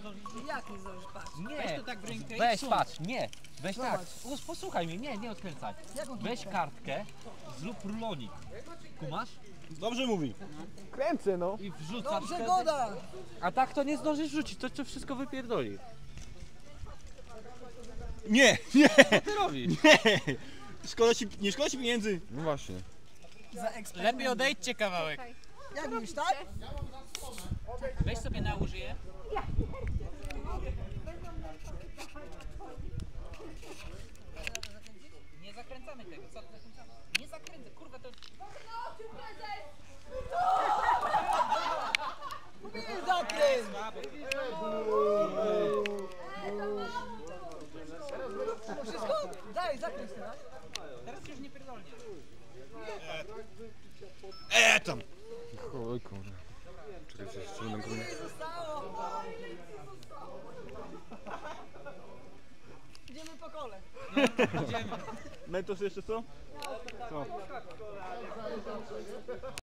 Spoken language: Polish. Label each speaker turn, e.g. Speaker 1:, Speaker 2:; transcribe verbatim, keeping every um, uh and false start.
Speaker 1: zdążysz.
Speaker 2: Jak nie zdążysz, patrz.
Speaker 1: Nie,
Speaker 3: Weź to tak w rękę i
Speaker 1: weź,
Speaker 3: wsuń.
Speaker 1: patrz, nie. Weź
Speaker 2: Zobacz.
Speaker 1: tak, Us, posłuchaj mnie, nie, nie odkręcaj.
Speaker 2: Jak on
Speaker 1: Weź kartkę, zrób rulonik. Kumasz?
Speaker 4: Dobrze mówi.
Speaker 5: Kręcę, no.
Speaker 1: I wrzucasz
Speaker 2: Dobrze,
Speaker 1: wtedy.
Speaker 2: goda!
Speaker 1: A tak to nie zdążysz rzucić, to cię wszystko wypierdoli.
Speaker 4: Nie, nie,
Speaker 1: Co ty robisz?
Speaker 4: nie. Szkoda ci, nie szkoda ci pieniędzy.
Speaker 5: No właśnie.
Speaker 2: Za eksperyment.
Speaker 3: Lepiej odejdźcie kawałek.
Speaker 2: Jak już, tak?
Speaker 3: Weź sobie na użyję. Nie zakręcamy tego, co ty zakręcamy? Nie zakręcę, kurwa to...
Speaker 2: Mówiłem zakręt! To wszystko? Daj, zakręć teraz.
Speaker 3: Teraz już nie pierdolnie.
Speaker 4: E tam.
Speaker 5: Oj kurde. Czekajcie, jeszcze będę go...
Speaker 2: Ile zostało? Idziemy po kole.
Speaker 4: Mentos jeszcze co? Co?